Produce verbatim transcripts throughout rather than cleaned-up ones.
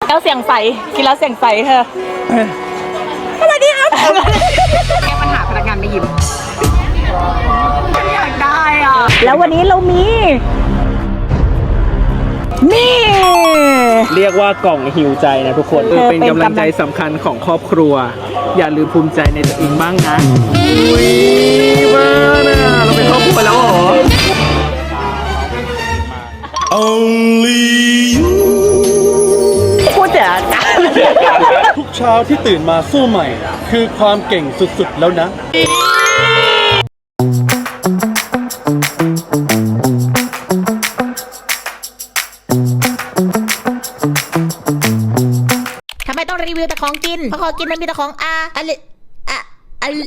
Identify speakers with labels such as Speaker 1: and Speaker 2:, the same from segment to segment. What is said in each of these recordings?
Speaker 1: แล้วเสียงใสกินแล้วเสียงใสเธอสวัสดีครับแก้ปัญหาพนักงานไม่ยิ้มอยากได้อ่ะแล้ววันนี้เรามีนี่
Speaker 2: เรียกว่ากล่องหิวใจนะทุกคนเป็นกำลังใจสำคัญของครอบครัวอย่าลืมภูมิใจในตัวเองบ้างนะอุ้ยบ้านะเราเป็นครอบครัวแล้วเหรอ
Speaker 3: Only you
Speaker 1: พูดเถอะ
Speaker 3: ทุกเช้าที่ตื่นมาสู้ใหม่คือความเก่งสุดๆแล้วนะ
Speaker 4: ทำไมต้องรีวิวแต่ของกินเพราะของกินมันมีแต่ของอาอะไรอะอะไร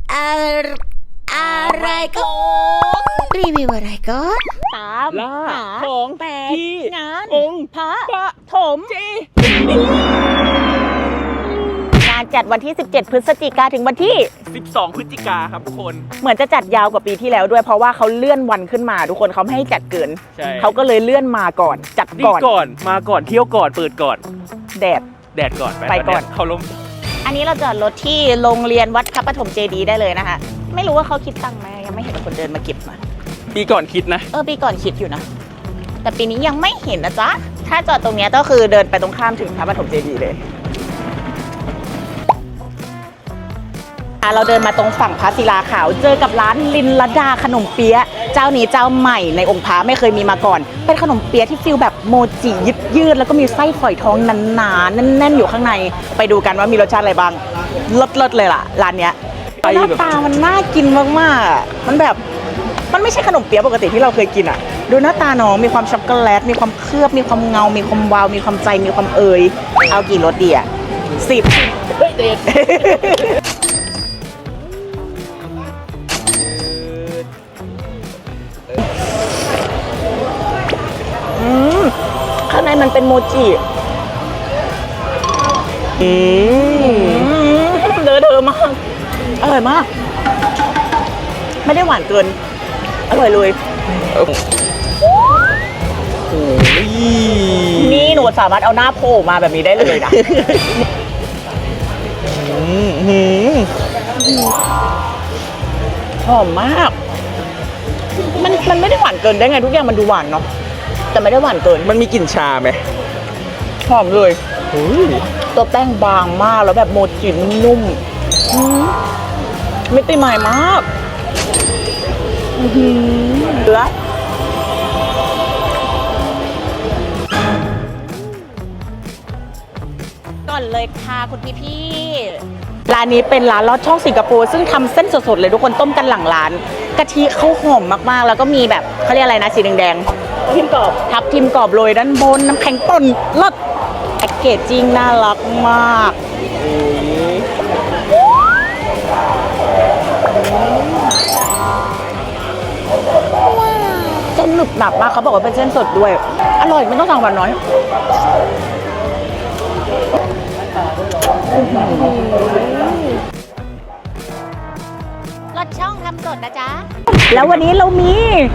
Speaker 4: อะไรก็รีวิวอะไรก็
Speaker 1: ตาม
Speaker 2: ล่า
Speaker 1: หา
Speaker 2: ของ
Speaker 1: แปด
Speaker 2: ที่
Speaker 1: งาน
Speaker 2: องค์
Speaker 1: พระ
Speaker 2: ปะ
Speaker 1: ถมงานจัดวันที่สิบเจ็ดพฤศจิกาถึงวันที่
Speaker 2: สิบสองพฤศจิกาครับทุกคน
Speaker 1: เหมือนจะจัดยาวกว่าปีที่แล้วด้วยเพราะว่าเขาเลื่อนวันขึ้นมาทุกคนเขาไม่ให้จัดเกิน
Speaker 2: ใช่
Speaker 1: เขาก็เลยเลื่อนมาก่อนจัด
Speaker 2: นี่
Speaker 1: ก่อน
Speaker 2: ก่อนมาก่อนเที่ยวก่อนเปิดก่อน
Speaker 1: แดด
Speaker 2: แดดก่อน
Speaker 1: ไปก่อน
Speaker 2: เขาลม
Speaker 1: อันนี้เราจอดรถที่โรงเรียนวัดพระปฐมเจดีย์ได้เลยนะคะไม่รู้ว่าเขาคิดตังค์ไหมยังไม่เห็นคนเดินมาเก็บมา
Speaker 2: ปีก่อนคิดนะ
Speaker 1: เออปีก่อนคิดอยู่นะแต่ปีนี้ยังไม่เห็นนะจ๊ะถ้าจอดตรงเนี้ยก็คือเดินไปตรงข้ามถึงพระปฐมเจดีย์เลยเราเดินมาตรงฝั่งพระศิลาขาวเจอกับร้านลินลดาขนมเปี๊ยะเจ้านี้เจ้าใหม่ในองค์พระไม่เคยมีมาก่อนเป็นขนมเปี๊ยะที่ฟิลแบบโมจิยืดยืดแล้วก็มีไส้ฝอยทองหนาๆแน่นๆอยู่ข้างในไปดูกันว่ามีรสชาติอะไรบ้างเลิศๆเลยล่ะร้านเนี้ยหน้าตามันน่ากินมากๆอ่ะมันแบบมันไม่ใช่ขนมเปี๊ยะปกติที่เราเคยกินอ่ะดูหน้าตาน้องมีความช็อกโกแลตมีความเคลือบมีความเงา มีความวาวมีความใจมีความเอยเอากี่รสดีอ่ะสิบข้างในมันเป็นโมจิอืมเดอเดอมากอร่อยมากไม่ได้หวานเกินอร่อยเลยนี่หนูสามารถเอาหน้าโผล่มาแบบนี้ได้เลยนะหอมมากมันมันไม่ได้หวานเกินได้ไงทุกอย่างมันดูหวานเนาะแต่ไม่ได้หวานเกิน
Speaker 2: มันมีกลิ่นชาไหม
Speaker 1: หอมเลยตัวแป้งบางมากแล้วแบบโมจินุ่มมิติใหม่มากเหลือก่อนเลยค่ะคุณพี่พี่ร้านนี้เป็นร้านลอดช่องสิงคโปร์ซึ่งทำเส้นสดๆเลยทุกคนต้มกันหลังร้านกะทิเขาหอมมากๆแล้วก็มีแบบเขาเรียกอะไรนะสีแดงๆทิมกรอบทับทิมกรอบโรยด้านบนน้ำแข็งป่นรสแพ็กเกจจิ้งน่ารักมากเส้นหนึบหนับมากเขาบอกว่าเป็นเส้นสดด้วยอร่อยไม่ต้องสั่งหวานน้อย
Speaker 4: รถช่องทำสดนะจ๊ะ
Speaker 1: แล้ววันนี้เรามี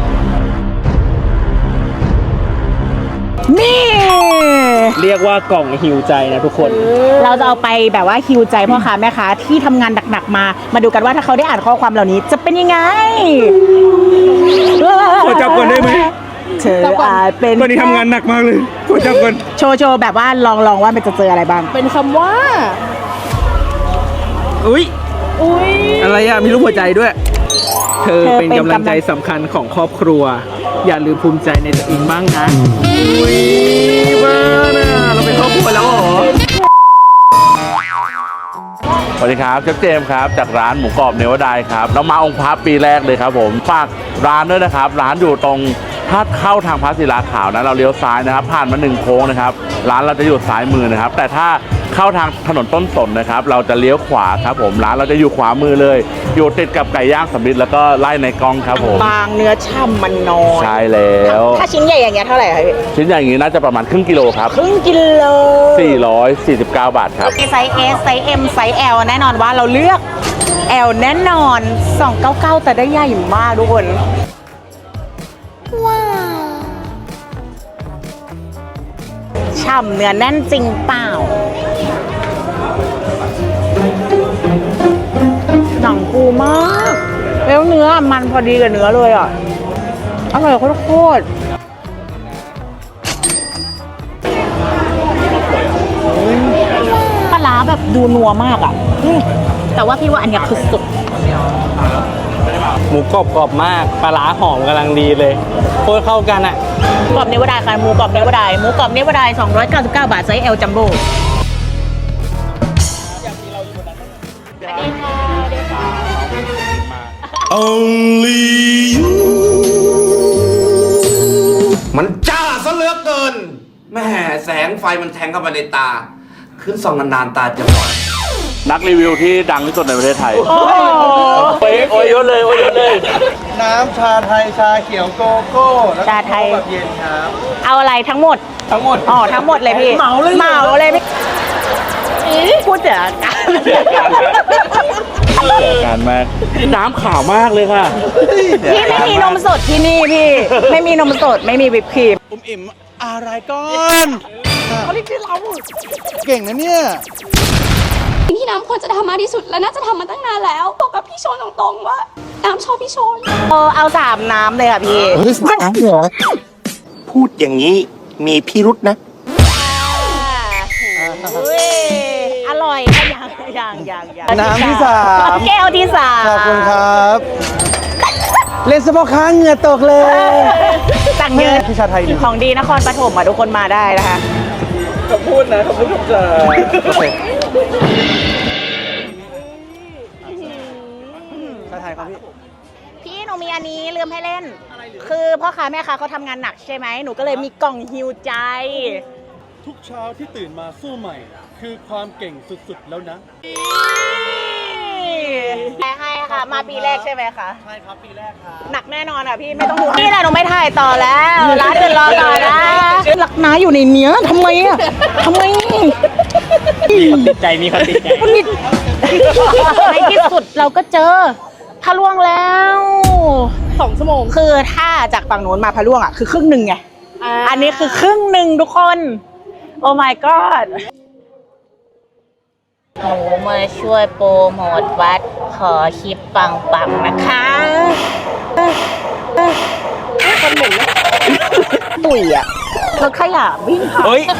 Speaker 1: นี่
Speaker 2: เรียกว่ากล่องหิวใจนะทุกคน
Speaker 1: เราจะเอาไปแบบว่าฮิวใจพ่อค้าแม่ค้าที่ทำงานหนักๆมามาดูกันว่าถ้าเขาได้อ่านข้อความเหล่านี้จะเป็นยังไง
Speaker 2: ขอจับก่อนได้ไหม
Speaker 1: เธออาจเป็น
Speaker 2: วันนี้ทำงานหนักมากเลยขอจับก่อน
Speaker 1: โชว์โชว์แบบว่าลองลองว่ามันจะเจออะไรบ้างเป็นคำว่า
Speaker 2: อุ้ย
Speaker 1: อุ้ย
Speaker 2: อะไรอะมีรูปหัวใจด้วยเธอเป็นกำลังใจสำคัญของครอบครัวอย่าลืมภูมิใจในตัวเองบ้างนะอุ้ยบ้านะเราเป็นครอบครัวแล้วเหรอ
Speaker 5: สวัสดีครับเชฟเจมส์ครับจากร้านหมูกรอบเนวดายครับเรามาองค์พระปีแรกเลยครับผมฝากร้านด้วยนะครับร้านอยู่ตรงถ้าเข้าทางพระศิลาขาวนะเราเลี้ยวซ้ายนะครับผ่านมาหนึ่งโค้งนะครับร้านเราจะอยู่ซ้ายมือนะครับแต่ถ้าเข้าทางถนนต้นสนนะครับเราจะเลี้ยวขวาครับผมร้านเราจะอยู่ขวามือเลยอยู่ติดกับไก่ย่างสำลิดแล้วก็ไล่ในกองครับผม
Speaker 1: บางเนื้อช่ำมันน้อย
Speaker 5: ใช่แล้ว
Speaker 1: ถ้าชิ้นใหญ่อย่างเงี้ยเท่าไหร่ครับพี่
Speaker 5: ชิ้นใหญ่อย่างนี้น่าจะประมาณครึ่งกิโลครับ
Speaker 1: ครึ่งกิโล
Speaker 5: สี่ร้อยสี่สิบเก้าบาทครับ
Speaker 1: ไซส์ S ไซส์ M ไซส์ L แน่นอนว่าเราเลือก L แน่นอนสองร้อยเก้าสิบเก้าแต่ได้ใหญ่มากทุกคนว้าวชฉ่ำเนื้อแน่นจริงเปล่าหนังฟูมากแล้วเนื้อมันพอดีกับเนื้อเลยอ่ะอร่อยโคตรปลาร้าแบบดูนัวมากอ่ะอืมแต่ว่าพี่ว่าอันเนี้ยคือสุด
Speaker 2: หมูกรอบกรอบมากปลาร้าหอมกำลังดีเลยโคตรเข้ากันอ่ะ
Speaker 1: กรอบเนวดายค่ะหมูกรอบเนวดายหมูกรอบเนวดายสองร้อยเก้าสิบเก้าบาทไซส์ L จัมโบ้
Speaker 6: มันจ้าซะเหลือเกินแม่แสงไฟมันแทงเข้ามาในตา ขึ้นส่องนานๆตาจะบอด
Speaker 5: นักรีวิวที่ดังที่สุดในประเทศไทย
Speaker 1: โอ้โห
Speaker 5: โอ้ยโอ้ยยศเลยโอ้ยยศเลย
Speaker 3: น้ำชาไทยชาเขียวโกโก้แล้วก็
Speaker 1: ชาไทย
Speaker 3: แบบเย็นครับ
Speaker 1: เอาอะไรทั้งหมด
Speaker 3: ทั้งหมด
Speaker 1: อ๋อทั้งหมดเลยพี่
Speaker 3: เหมาเลย
Speaker 1: เหมาเลยพี่พูดเจอกัน
Speaker 5: การมากน้ำขาวมากเลยค่ะ
Speaker 1: พี่ไม่มีนมสดที่นี่พี่ ไม่มีนมสดไม่มีวิปครีม
Speaker 3: อุ้มอิ่มอะไรก่อนเขาเรียกชื่อเราเก่งนะเนี่ย
Speaker 7: ที่น้ำควรจะทำมากที่สุดและน่าจะทำมาตั้งนานแล้วบอกกับพี่โชนตรงๆว่าน้ำชอบพี่โชน
Speaker 1: เออเอาสามน้ำเลยค่ะพี่
Speaker 6: พูดอย่างนี้มีพิรุษนะ
Speaker 1: อุ้ยอร่อยอะอย่างอย่างอย่างอย่าง
Speaker 3: น้ำที่สาม
Speaker 1: แก้วที่สาม
Speaker 3: ขอบคุณครับ เล่นสปอร์ค้างเหงื่อตกเลย
Speaker 1: สั่งเยอะ
Speaker 3: พี่ชาไทยหนึ่ง
Speaker 1: ของดีนครปฐมอ่ะทุกคนมาได้นะคะ
Speaker 2: คำพูดนะคำพูดคำจา
Speaker 3: โอเคชาไทยครับพี่
Speaker 1: พี่หนูมีอันนี้ลืมให้เล่น คือพ่อค้าแม่ค้าเขาทำงานหนักใช่ไหมหนูก็เลยมีกล่องฮิวใจ
Speaker 3: ทุกเช้าที่ตื่นมาสู้ใหม่ คือความเก่งสุดๆแล้วนะ
Speaker 1: ให้ให้ค่ะ มาปีแรกใช่ไหมคะ
Speaker 3: ใช่ครับปีแรกครับ
Speaker 1: หนักแน่นอนอ่ะพี่ไม่ต้องห่วงนี่แหละหนูไม่ถ่ายต่อแล้ว ร้านเดินรอต่อนะหลักน้าอยู่ในเนี้ยทำไมอ่ะทำไม
Speaker 2: มีคนติดใจมีคนติดใจ
Speaker 1: มันมีในที่สุดเราก็เจอพะล่วงแล้วสองชั่วโมงคือถ้าจากฝั่งโน้นมาพะล่วงอ่ะคือครึ่งหนึ่งไงอันนี้คือครึ่งหนึ่งทุกคนโอ้ my god หนูมาช่วยโปรโมทวัดขอคลิปปังๆนะคะคนหนึ่งตุ๋ยอ่ะรถขยะวิ่งผ่าน
Speaker 2: เฮ้ย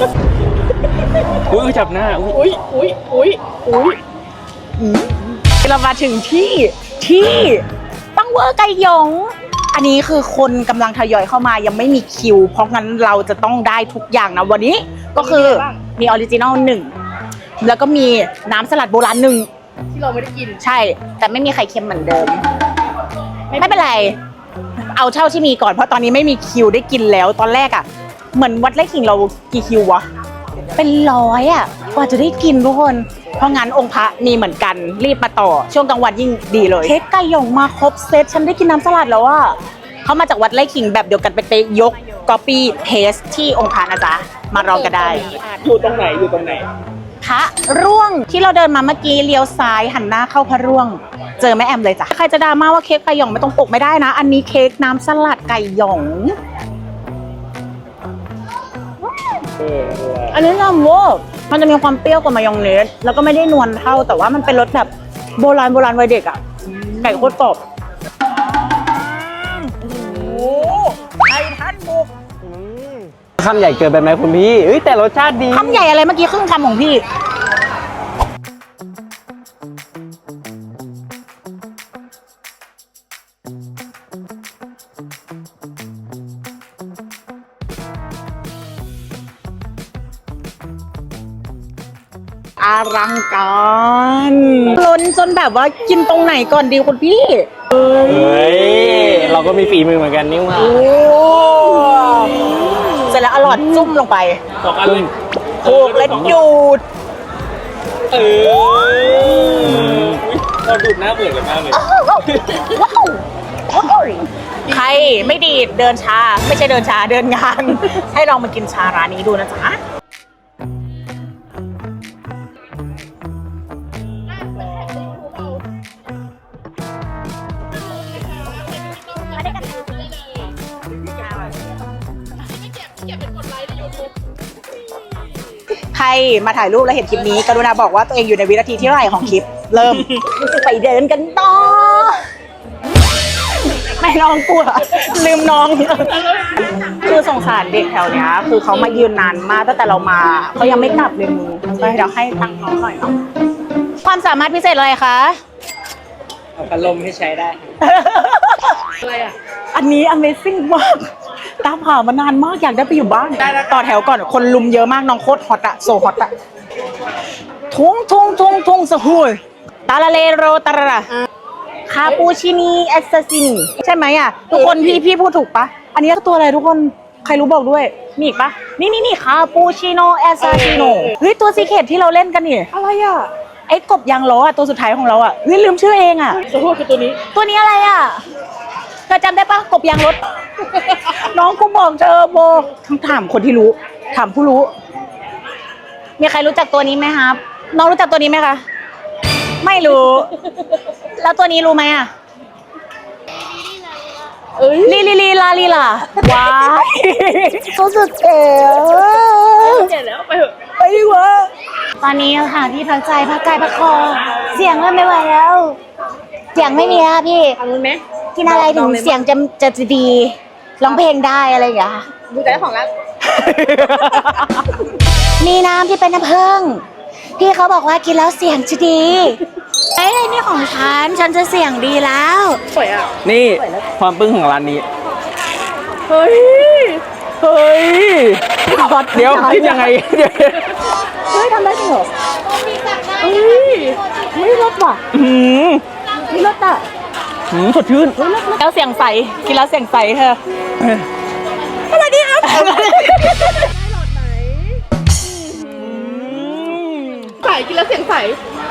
Speaker 2: อุ้ยจับหน้าอุ้ย
Speaker 1: อุ้ยอุ้ยอุ้ยอุ้ยเรามาถึงที่ที่ปังเวอร์ไก่หยง อันนี้คือคนกำลังทยอยเข้ามายังไม่มีคิว เพราะงั้นเราจะต้องได้ทุกอย่างนะวันนี้ก็คือมีออริจินอลหนึ่งแล้วก็มีน้ำสลัดโบราณหนึ่งที่เราไม่ได้กินใช่แต่ไม่มีไข่เค็มเหมือนเดิม ไม่เป็นไรเอาเช่าที่มีก่อนเพราะตอนนี้ไม่มีคิวได้กินแล้วตอนแรกอ่ะเหมือนวัดไร่ขิงเรากี่คิววะเป็นร้อยอ่ะกว่าจะได้กินทุกคนเพราะงั้นองค์พระมีเหมือนกันรีบมาต่อช่วงกลางวันยิ่งดีเลยเค้กไก่หยงมาครบเซตฉันได้กินน้ำสลัดแล้วอ่ะเขามาจากวัดไร่ขิงแบบเดียวกันไปเตะยกก๊อปปี้เพสที่องค์พระนะจ๊ะมาลองกันได้
Speaker 2: อยู่ตรงไหนอยู่ตรงไหน
Speaker 1: พระร่วงที่เราเดินมาเมื่อกี้เลี้ยวซ้ายหันหน้าเข้าพระร่วง เจอแม่แอมเลยจ้ะใครจะดราม่าว่าเค้กไก่หยองไม่ต้องปกไม่ได้นะ อันนี้เค้กน้ำสลัดไก่หยองอันนี้ลำโวมันจะมีความเปรี้ยวกว่ามายองเนสแล้วก็ไม่ได้นวลเท่าแต่ว่ามันเป็นรสแบบโบราณโบราณวัยเด็กอ่ะไก่โคตรกรอบโอ้โหไก่ทันบุก
Speaker 2: คำใหญ่เกินไปไหมคุณพี่เอ้ยแต่รสชาติดี
Speaker 1: คำใหญ่อะไรเมื่อกี้ครึ่งคำของพี่อลังการล้นจนแบบว่ากินตรงไหนก่อนดีคุณพี่เอ้
Speaker 2: เฮ้ย เราก็มีฝีมือเหมือนกันนี่ว่า
Speaker 1: โอ้เสร็จแล้วอร่อยจุ่มลงไป
Speaker 2: สองอันเลย
Speaker 1: โขกและดูด
Speaker 2: เออเราดูดหน้าเหมือนกันมากเลย
Speaker 1: ว้าวว้าวใครไม่ดีดเดินช้าไม่ใช่เดินช้าเดินงาน ให้ลองมากินชาร้านนี้ดูนะจ๊ะมาถ่ายรูปแล้วเห็นคลิปนี้กรุณาบอกว่าตัวเองอยู่ในวินาทีที่เท่าไหร่ของคลิป เริ่ม ไปเดินกันต่อไม่น้องกลัวลืมน้อง คือสงสารเด็กแถวเนี้ยคือเขามายืนนานมากตั้งแต่เรามาเขายังไม่กลับเลยมึงไปเดี๋ยวให้ตังค์น้องหน่อยเนาะความสามารถพิเศษอะไรคะ
Speaker 2: เอาพัดลมให้ใช้ได้ อะไรอ่ะ
Speaker 1: อันนี้ Amazing มากตามหามานานมากอยากได้ไปอยู่บ้านต่อแถวก่อนคนลุมเยอะมากน้องโคตรฮอตอะโซฮอตอะทุ่งทุ่งทุ่งทุ่งสหุยตาลาเลโรตาระคาปูชินีเอสซาซินใช่ไหมอะทุกคนพี่พี่พูดถูกปะอันนี้ตัวอะไรทุกคนใครรู้บอกด้วยมีอีกปะนี่นี่นี่คาปูชิโนเอสซาซิโนเฮ้ยตัวซีเคทที่เราเล่นกันนี่อะไรอะไอ้กบยางล้ออะตัวสุดท้ายของเราอะเฮ้ยลืมชื่อเองอะ
Speaker 2: ตัวคือตัวนี้
Speaker 1: ตัวนี้อะไรอะเธอจำได้ปะกบยางรถ น้องกูบอกเธอโบถามคนที่รู้ ถามผู้รู้ มีใครรู้จักตัวนี้ไหมครับ น้องรู้จักตัวนี้ไหมคะ ไม่รู้ แล้วตัวนี้รู้ไหมอ่ะลีลีลีลาลีลาว้ายตัวสุดเจ๋ว
Speaker 2: เจ็ดแล้วไปเถอะ
Speaker 1: ไปดีกว่าตอนนี้ค่ะที่พักใจพักกายพักคอ เสียงเริ่มไม่ไหวแล้ว เสียงไม่มีแล้วพี่
Speaker 2: ทำรู้ไหม
Speaker 1: กินอะไรถึงเสียงจะจะดีร้องเพลงได้อะไรอย่างเงี้ย
Speaker 2: ดูใจของรัก
Speaker 1: มีน้ำที่เป็นน้ำผึ้งพี่เขาบอกว่ากินแล้วเสียงจะดีเอ้ยนี่ของฉันฉันจะเสียงดีแล้ว
Speaker 2: สวยอ่ะ
Speaker 3: นี่ความปึ้งของร้านนี้
Speaker 2: เฮ้ย
Speaker 3: เฮ้ย เดี๋ยวคิดยังไง
Speaker 1: เฮ้ยทำได้จริงเหรอ
Speaker 2: เฮ้ย
Speaker 1: ไม่รสว่ะ
Speaker 3: อืม
Speaker 1: ไม่รสอ่ะ
Speaker 3: อืมสดชื่น
Speaker 1: แล้วเสียงใสกินแล้วเสียงใสเธอ
Speaker 2: อะไรดีครับใส่กินแล้วเสียงใส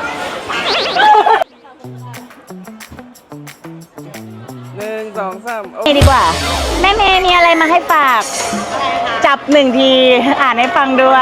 Speaker 3: หนึ่งสองสาม
Speaker 1: นี่ดีกว่า แม่เมย์มีอะไรมาให้ฝาก จับหนึ่งทีอ่านให้ฟังด้วย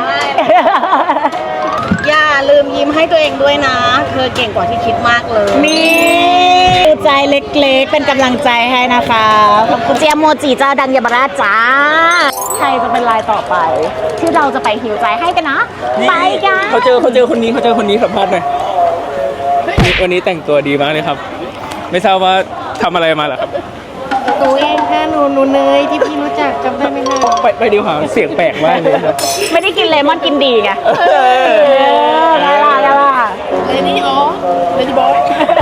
Speaker 1: อย่าลืมยิ้มให้ตัวเองด้วยนะ เธอเก่งกว่าที่คิดมากเลย นี่ใจเล็กๆ เป็นกำลังใจให้นะคะ ขอบคุณเจียโมจิเจ้าดังยาบาราจ้า ใครจะเป็นลายต่อไป ที่เราจะไปหิวใจให้กันนะ ไปกัน
Speaker 3: เขาเจอเขาเจอคนนี้เขาเจอคนนี้สัมภาษณ์หน่อยวันนี้แต่งตัวดีมากเลยครับ ไม่ทราบว่าทำอะไรมาเหรอครับ
Speaker 4: ตัวเองค่ะหนูหนูเนยที่พี่รู้จักจำได้ไหมนะ
Speaker 3: ไปไปดีกว่าเสียงแปลกมากเลยครับ
Speaker 1: ไม่ได้กินเลมอนกินดีไงเออได้ละได้ละ
Speaker 2: เลนี่อ๋อเลนี่บอย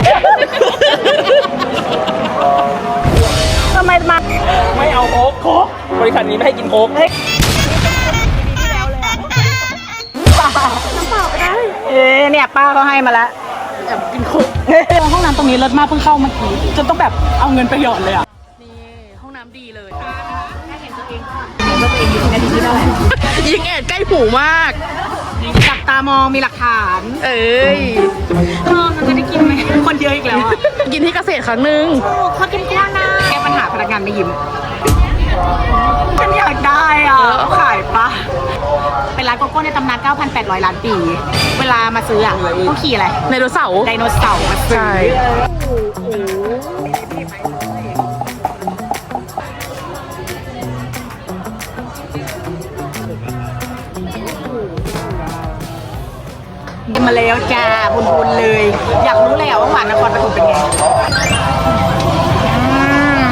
Speaker 1: ทำไมมา
Speaker 3: ไม่เอาโค้กโค้กบริษัทนี้ไม่ให้กินโค้ก
Speaker 1: เอ๊ะเนี่ยป้าเขาให้มาแล้วแอบกินคุกห้องน้ำตรงนี้เลิศมากเพิ่งเข้าเมื่อกี้จนต้องแบบเอาเงินไปหยอดเลยอ่ะ
Speaker 2: ห้องน้ำดีเลย
Speaker 1: ยิงแอดใกล้หูมากจับตามองมีหลักฐาน
Speaker 2: เอ้ย
Speaker 1: เออมันจะได้กินไหมคนเยอะอีกแล้วอ่ะ
Speaker 2: กินที่เกษตรครั้งหนึ่ง
Speaker 1: เขากินแก้วนะแก้ปัญหาพนักงานไม่ยิ้มฉันอยากได้อ่ะขายปะเป็นร้านโกโก้ในตำนาน เก้าพันแปดร้อย ล้านปี เวลามาซื้ออ่ะต้องขี่อะไร
Speaker 2: ไดโนเสาร์
Speaker 1: ไดโนเสาร์มาซื้อ
Speaker 2: ใช่
Speaker 1: มาแล้วจ้าบุญๆเลย อยากรู้เลยอ่ะว่าหวานนครปฐมเป็นไงอืม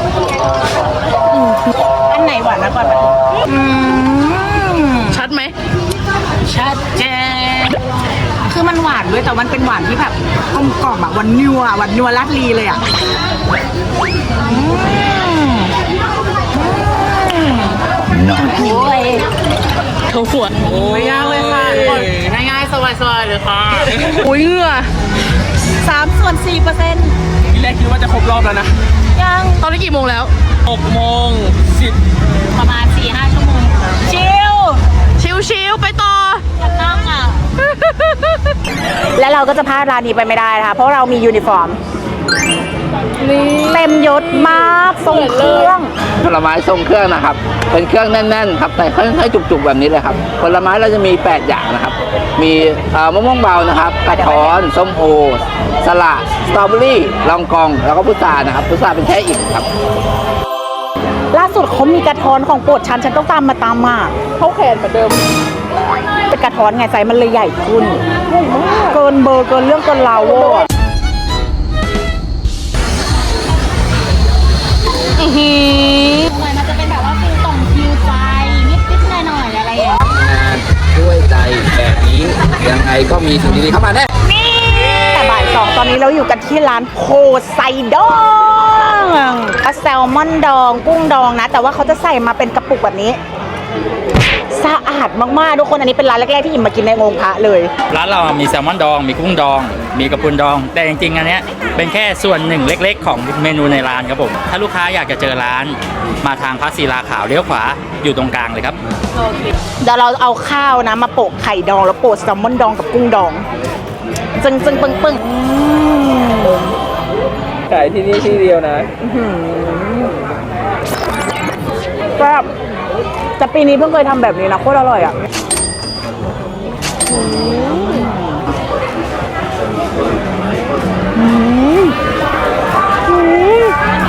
Speaker 1: อันไหนหวานนครปฐมอืม
Speaker 2: ชัดไหม
Speaker 1: ชัดเจนคือมันหวานด้วยแต่มันเป็นหวานที่แบบกลมกล่อมอะหวานนัวหวานนัวลาดลีเลยอะอืมอืมโอ้ย
Speaker 2: เขาหัวไม่ยากเลยค่ะง่ายๆสบายๆเลยค่ะ อุ้ยเหงื่อ
Speaker 1: สามส่วนสี่เปอร์เซ็นต์
Speaker 3: ทีแรกคิดว่าจะครบรอบแล้วนะ
Speaker 1: ยัง
Speaker 2: ตอนนี้กี่โมงแล้ว
Speaker 3: หกโมงสิบ
Speaker 1: ประมาณสี่ห้าชั่วโมงชิล
Speaker 2: ชิวๆไปต่อ
Speaker 1: นั่งอ่ะ และเราก็จะพลาดร้านนี้ไปไม่ได้นะคะเพราะเรามียูนิฟอร์มเต็มยศมากทรงเครื่อง
Speaker 8: ผลไม้ทรงเครื่องนะครับ เป็นเครื่องแน่นๆครับแต่ค่อยๆจุกๆแบบนี้เลยครับ ผลไม้เราจะมี แปด อย่างนะครับ มีเอ่อมะม่วงเบานะครับ กระท้อน ส้มโอ สละ สตรอเบอรี่ลองกอง แล้วก็พุทรานะครับ พุทราเป็นแช่อิ่มครับ
Speaker 1: ล่าสุดเขามีกระท้อนของโปรดฉันฉันต้องตามมาตามมา
Speaker 2: เข้าแขนเหมือนเดิม
Speaker 1: ไปกระท้อนไงไซส์มันเลยใหญ่ขึ้นเกินเบอร์เกินเรื่องเกินราวเวอร์
Speaker 4: หน่อยมันจะเป็นแบบว่าฟิลต่อมฟิลใจนิดๆหน่อยๆอะไรอย่างเงี้ย
Speaker 8: ด้วยใจแบบนี้ยังไงก็มีสิ่งดีๆเข้ามาแน่
Speaker 1: แต่บ่ายสองตอนนี้เราอยู่กันที่ร้านโพไซดองก็แซลมอนดองกุ้งดองนะ แต่ว่าเขาจะใส่มาเป็นกระปุกแบบนี้สะอาดมากๆทุกคนอันนี้เป็นร้านแรกๆที่อิ่มมากินในองค์พระเลย
Speaker 9: ร้านเรามีแซลมอนดอง มีกุ้งดอง มีกระพุนดอง แต่จริงๆ อันเนี้ยเป็นแค่ส่วนหนึ่งเล็กๆ ของเมนูในร้านครับผม ถ้าลูกค้าอยากจะเจอร้านมาทางพระศิลาขาวเลี้ยวขวาอยู่ตรงกลางเลยครับ
Speaker 1: เดี๋ยวเราเอาข้าวนะมาโปะไข่ดองแล้วโปะแซลมอนดองกับกุ้งดองจึงจึงปึ้งปึ้งอืม
Speaker 3: ขายที่นี่ที่เดียวนะ
Speaker 1: แบบแต่ปีนี้เพิ่งเคยทำแบบนี้นะโคตรอร่อยอ่ะอืมอืม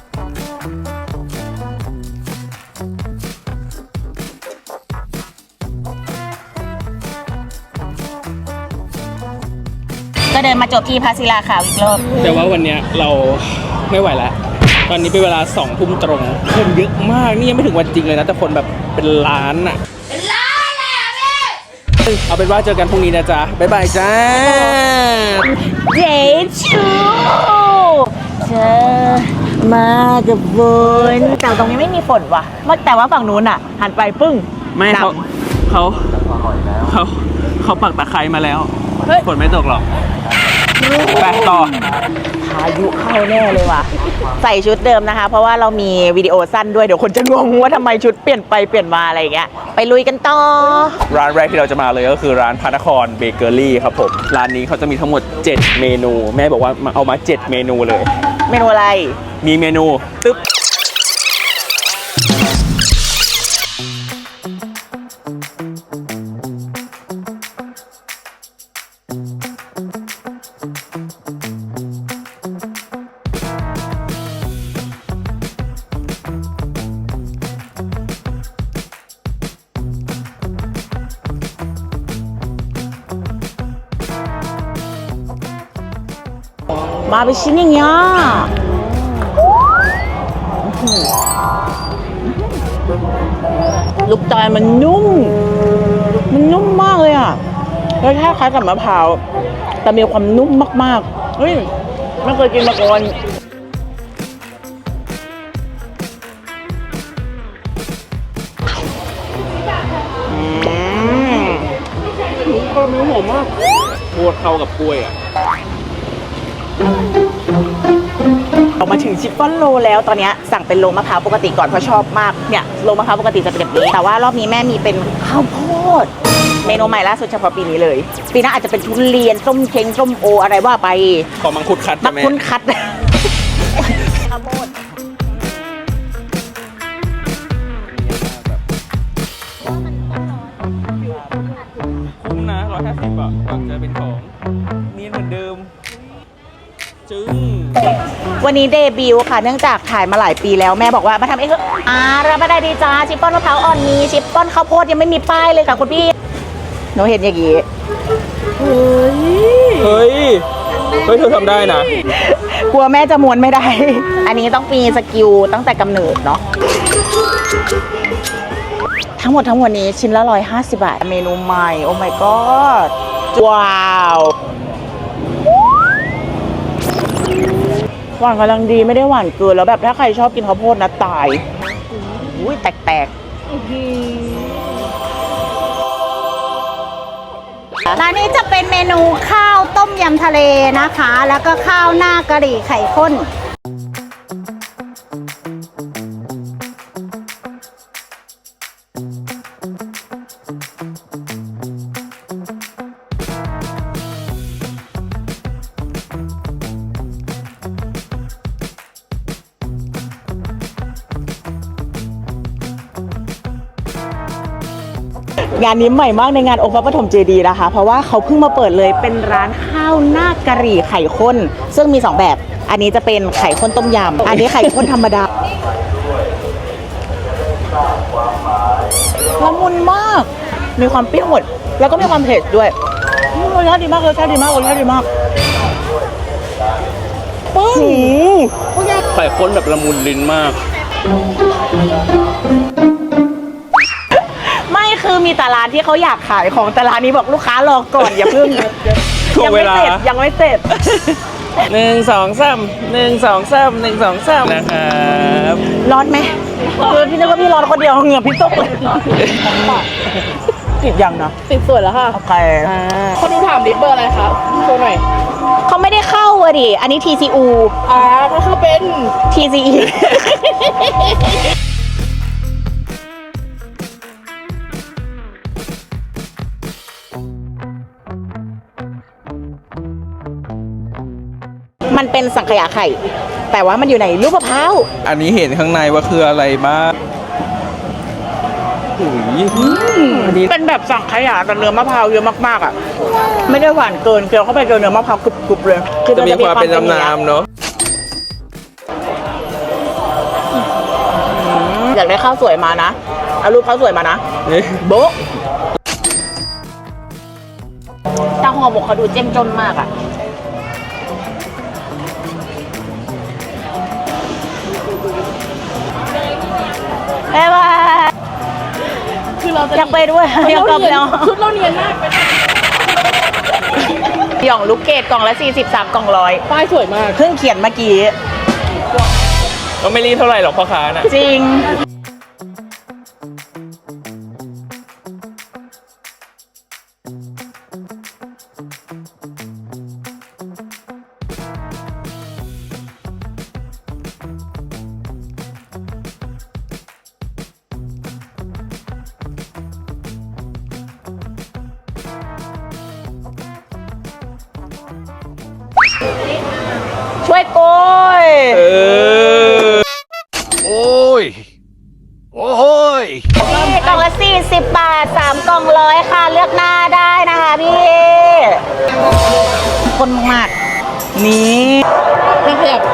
Speaker 1: ก็เดินมาจบที่พระศิลาขาวอีกรอบ
Speaker 3: แต่ว่าวันเนี้ยเราไม่ไหวแล้ว ตอนนี้เป็นเวลาสองทุ่มตรง คนเยอะมาก นี่ยังไม่ถึงวันจริงเลยนะ แต่คนแบบเป็นล้านอ่ะ เป็นล้านเลยอ่ะพี่เอาเป็นว่าเจอกันพรุ่งนี้นะจ๊ะ บ๊ายบายจ้า
Speaker 1: เจชูเธอมากับฝนแต่ตรงนี้ไม่มีฝนว่ะแต่ว่าฝั่งนู้นอ่ะ หันไปปึ้ง
Speaker 3: ไม่เขา
Speaker 1: ด
Speaker 3: เขาเขาเขาปักตะไคร้มาแล้ว
Speaker 1: เฮ้ย
Speaker 3: ฝนไม่ตกหรอก ไปต่อ
Speaker 1: พายุเข้าแน่เลยว่ะ ใส่ชุดเดิมนะคะ เพราะว่าเรามีวิดีโอสั้นด้วย เดี๋ยวคนจะงงว่าทำไมชุดเปลี่ยนไปเปลี่ยนมาอะไรอย่างเงี้ย ไปลุยกันต่อ
Speaker 3: ร้านแรกที่เราจะมาเลยก็คือร้านพระนครเบเกอรี่ครับผม ร้านนี้เขาจะมีทั้งหมด เจ็ด เมนู แม่บอกว่ามาเอามา เจ็ด เมนูเลย
Speaker 1: เมนูอะไร
Speaker 3: มีเมนูตึ๊บ
Speaker 1: มาเป็นชิ้นอย่างเงี้ยลูกตาลมันนุ่ม มันนุ่มมากเลยอ่ะแล้วแค่คล้ายกับมะพร้าวแต่มีความนุ่มมากๆเฮ้ยไม่เคยกินมาก่อน
Speaker 3: ข้าวเนื้อหอมมากโคตรเข้ากับกล้วยอ่ะ
Speaker 1: ออกมาถึงชิฟฟ่อนโรแล้วตอนนี้สั่งเป็นโรมะพร้าวปกติก่อนเพราะชอบมากเนี่ยโรมะพร้าวปกติจะเป็นแบบนี้แต่ว่ารอบนี้แม่มีเป็นข้าวโพดเมนูใหม่ล่าสุดเฉพาะปีนี้เลยปีหน้าอาจจะเป็นทุเรียนส้มเช้งส้มโออะไรว่าไป
Speaker 3: ขอมังคุดคัด
Speaker 1: มั
Speaker 3: จ้ะ
Speaker 1: ก
Speaker 3: แม่
Speaker 1: คุ้นคัดข้าวโพด
Speaker 3: คุ้มนะร้อยห้าสิบอ่ะก่อนจะเป็นของเนียนเหมือนเดิม จึ้ง
Speaker 1: วันนี้เดบิวต์ค่ะเนื่องจากถ่ายมาหลายปีแล้วแม่บอกว่ามาทำเองเถอะอ่ารับมาได้ดีจ้าชิปป้อนมะพร้าวอ่อนมีชิปป้อนข้าวโพดยังไม่มีป้ายเลยค่ะคุณพี่หนูเห็นอย่างงี้
Speaker 3: เฮ้ย เฮ้ย เธอทำได้นะ
Speaker 1: กลัวแม่จะม้วนไม่ได้ อันนี้ต้องมีสกิลตั้งแต่กำเนิดเนาะทั้งหมดทั้งมวลนี้ชิ้นละร้อยห้าสิบบาทเมนูใหม่โอ้ my god ว้าวหวานกำลังดีไม่ได้หวานเกินแล้วแบบถ้าใครชอบกินข้าวโพดนะตายอุ้ยแตกๆ
Speaker 4: ร้านนี้จะเป็นเมนูข้าวต้มยำทะเลนะคะ แล้วก็ข้าวหน้ากะหรี่ไข่ข้น
Speaker 1: งานนี้ใหม่มากในงานองค์พระปฐมเจดีย์นะคะเพราะว่าเขาเพิ่งมาเปิดเลยเป็นร้านข้าวหน้ากะหรี่ไข่ข้นซึ่งมีสองแบบอันนี้จะเป็นไข่ข้นต้มยำอันนี้ไข่ข้นธรรมดาละมุนมากมีความเปรี้ยวหมด แล้วก็มีความเผ็ดด้วยอืมรสชาติดีมากรสชาติดีมากรสชาติดีมากปึ้ง
Speaker 3: ไข่ข้นแบบละมุนลิ้นมาก
Speaker 1: ไม่คือมีแต่ร้านที่เขาอยากขายของแต่ร้านนี้บอกลูกค้ารอก่อนอย่าเพิ่ง
Speaker 3: ถ่ว
Speaker 1: ยัง ง
Speaker 3: เว
Speaker 1: ไม่
Speaker 3: ลา
Speaker 1: เสร็จยังไม่เสร็จ
Speaker 3: หนึ่งสองสามหนึ่งสองสามหนึ่งสองสามนะครับ
Speaker 1: ร้อนไหมคือพี่นึกว่าพี่ร้อนคนเดียวเหงื่อพี่ตกเลยติดยังนะ
Speaker 10: ติดสวยแล้วค่ะ
Speaker 1: โอเค
Speaker 10: คนดูถามดิเบอร์อะไรครับโชว์หน่อย
Speaker 1: เขาไม่ได้เข้าอะดิอันนี้ ที ซี ยู
Speaker 10: อ่าก็คือเป็น
Speaker 1: ที ซี อี มันเป็นสังขยาไข่ แต่ว่ามันอยู่ในลูกมะพร้าว
Speaker 3: อันนี้เห็นข้างในว่าคืออะไรบ้างอุ้ยอันนี้
Speaker 1: เป็นแบบสังขยาแต่เนื้อมะพร้าวเยอะมากๆอ่ะ ไม่ได้หวานเกินเคี้ยวเข้าไปเจอเนื้อมะพร้าวกรุบๆเลย
Speaker 3: จะมีความเป็นน้ำน้ำเนาะ
Speaker 1: อยากได้ข้าวสวยมานะเอารูปข้าวสวยมานะ
Speaker 3: นี่
Speaker 1: โบ๊ะตาห่อหมกเขาดูเจ้มจนมากอ่ะบ๊ายบาย
Speaker 10: คือเราจะ
Speaker 1: อยากไปด้วยอยากกลับแล้ว
Speaker 10: ชุดเราเนียนมากไป
Speaker 1: หย่องลูกเกดกล่องละสี่สิบสามกล่องร้อย
Speaker 10: ป้ายสวยมาก
Speaker 1: เพิ่งเขียนเมื่อกี้
Speaker 3: ก็ไม่รีบเท่าไหร่หรอกพ่อค้าน่ะ
Speaker 1: จริง ช่วยโกย
Speaker 3: เออ
Speaker 6: โอ้ย โอ้ย
Speaker 1: นี่กล่องละสี่สิบบาทสามกล่องร้อยค่ะ เลือกหน้าได้นะคะพี่ คนมากๆนี่
Speaker 10: ไม่ขยับ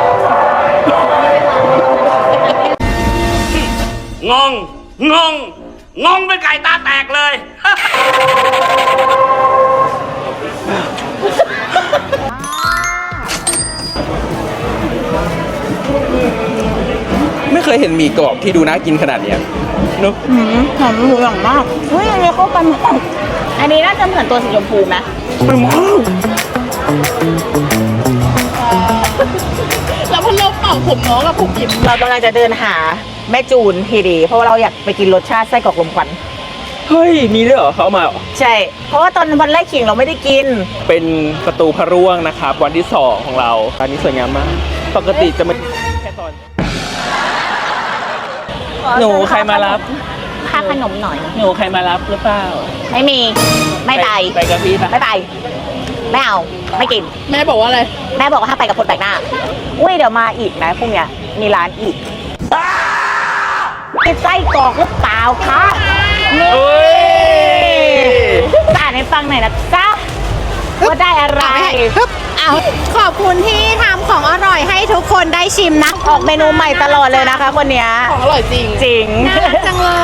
Speaker 6: งง งง งงเป็นไก่ตาแตกเลย
Speaker 3: ไม่เคยเห็นหมี่กรอบที่ดูน่ากินขนาดเนี้ยเนอะ
Speaker 1: หืมหอมหมูหยองมากเฮ้ยอันนี้เข้ากันมากอันนี้น่าจะเหมือนตัวสีชมพูไหม
Speaker 10: แล้วพันลมเป่าผมน้องกับผมหยิบ
Speaker 1: เรากำลังจะเดินหาแม่จูนทีดี เพราะว่าเราอยากไปกินรสชาติไส้กรอกลมควัน
Speaker 3: เฮ้ย มีด้วยเหรอเขาเอามาเหรอ
Speaker 1: ใช่ เพราะว่าตอนวันแรกขิงเราไม่ได้กิน
Speaker 3: เป็นประตูพระร่วงนะครับ วันที่สองของเราอันนี้สวยงามมาก ปกติจะไม่แค่ตอน หนูใครมารับ
Speaker 1: ค่าขนมหน่อย
Speaker 3: หนูใครมารับหรือเปล่า
Speaker 1: ไม่มี ไม่ไป
Speaker 3: ไปกับพี่ปะ
Speaker 1: ไม่ไป ไม่เอา ไม่กิน
Speaker 10: แม่บอกว่าอะไร
Speaker 1: แม่บอกว่าถ้าไปกับคนแปลกหน้า อุ้ยเดี๋ยวมาอีกนะพรุ่งเนี้ยมีร้านอีกมีไส้กรอกหรือเปล่าคะนี่
Speaker 3: เฮ้ย
Speaker 1: อ่านให้ฟังหน่อยนะจ๊ะว่าได้อะไร
Speaker 4: เอาขอบคุณที่ทำของอร่อยให้ทุกคนได้ชิมนะ
Speaker 1: ออกเมนูใหม่ตลอดเลยนะคะคนเนี้ย
Speaker 10: ของอร่อยจริง
Speaker 1: จริง
Speaker 4: น่ารักจังเลย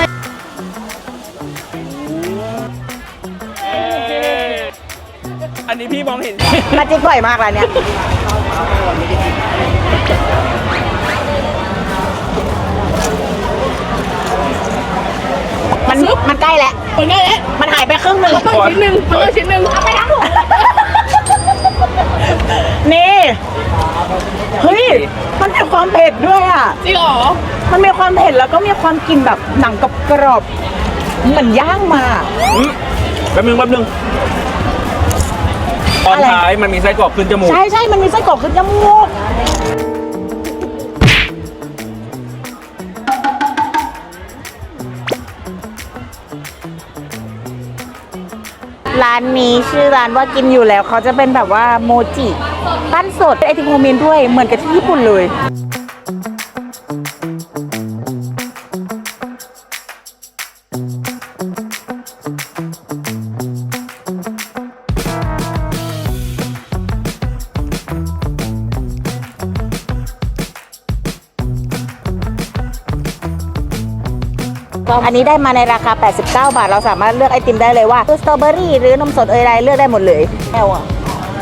Speaker 3: อันนี้พี่มองเห็น
Speaker 1: มาจิ๊กบ่อยมากร้านเนี้ยมันมันใกล้แล้ว
Speaker 10: คนได้แล้ว
Speaker 1: มันหายไปครึ่งหนึ่ง
Speaker 10: ต้องชิ้นหนึ่งต้องชิ้นหนึ่งเอาไปทั้งถุง
Speaker 1: นี่ เฮ้ย มันมีความเผ็ดด้วยอ่ะ
Speaker 10: จริงเหรอ
Speaker 1: มันมีความเผ็ดแล้วก็มีความกลิ่นแบบหนังกรอบๆเหมือนย่างมา
Speaker 3: อืมแป๊บนึงแป๊บนึงตอน
Speaker 1: อะไร
Speaker 3: ท้ายมันมีไส้กรอกขึ้นจมูก
Speaker 1: ใช่ใช่มันมีไส้กรอกขึ้นจมูกร้านนี้ชื่อร้านว่ากินอยู่แล้วเขาจะเป็นแบบว่าโมจิปั้นสดไอติมโฮมเมดด้วยเหมือนกับที่ญี่ปุ่นเลยอันนี้ได้มาในราคา แปดสิบเก้า บาท เราสามารถเลือกไอติมได้เลยว่าคือสตรอเบอรี่หรือนมสดเอยไรเลือกได้หมดเลยแอลอ่ะ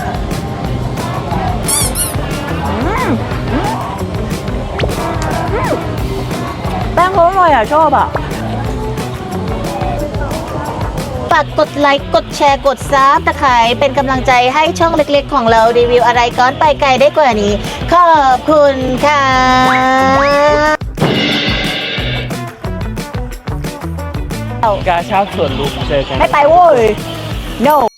Speaker 1: แป้งเขาอร่อยอ่ะ ชอบอ่ะ ฝากกดไลค์กดแชร์กดซับตะไคร้เป็นกำลังใจให้ช่องเล็กๆของเรารีวิวอะไรก้อนไปไกลได้กว่านี้ ขอบคุณค่ะ
Speaker 2: กาชาติส่วนลุกเจอกัน
Speaker 1: ไม่ไปโว้ย no